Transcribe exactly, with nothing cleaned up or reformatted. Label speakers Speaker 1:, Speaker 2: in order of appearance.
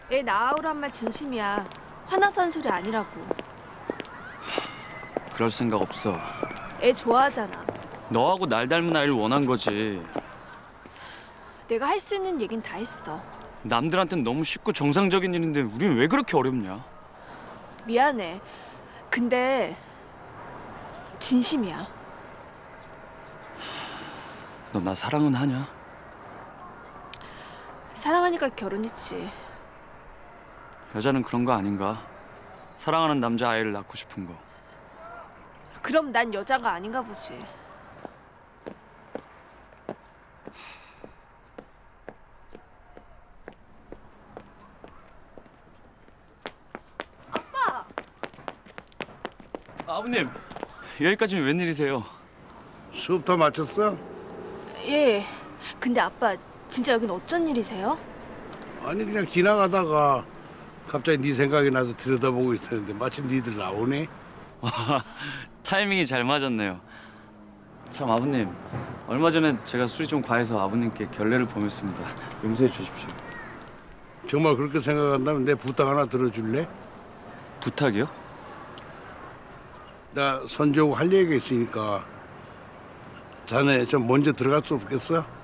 Speaker 1: 애 낳아오란 말 진심이야. 화나서 한 소리 아니라고.
Speaker 2: 그럴 생각 없어.
Speaker 1: 애 좋아하잖아.
Speaker 2: 너하고 날 닮은 아이를 원한 거지.
Speaker 1: 내가 할 수 있는 얘긴 다 했어.
Speaker 2: 남들한텐 너무 쉽고 정상적인 일인데 우린 왜 그렇게 어렵냐?
Speaker 1: 미안해. 근데 진심이야.
Speaker 2: 너 나 사랑은 하냐?
Speaker 1: 사랑하니까 결혼했지.
Speaker 2: 여자는 그런 거 아닌가? 사랑하는 남자 아이를 낳고 싶은 거.
Speaker 1: 그럼 난 여자가 아닌가 보지. 아빠!
Speaker 2: 아버님, 여기까지는 웬일이세요?
Speaker 3: 수업 다 마쳤어?
Speaker 1: 예. 근데 아빠 진짜 여긴 어쩐 일이세요?
Speaker 3: 아니 그냥 지나가다가 갑자기 네 생각이 나서 들여다보고 있었는데 마침 니들 나오네.
Speaker 2: 타이밍이 잘 맞았네요. 참 아버님, 얼마 전에 제가 술이 좀 과해서 아버님께 결례를 범했습니다. 용서해 주십시오.
Speaker 3: 정말 그렇게 생각한다면 내 부탁 하나 들어줄래?
Speaker 2: 부탁이요?
Speaker 3: 나 선조하고 할 얘기가 있으니까 자네 좀 먼저 들어갈 수 없겠어?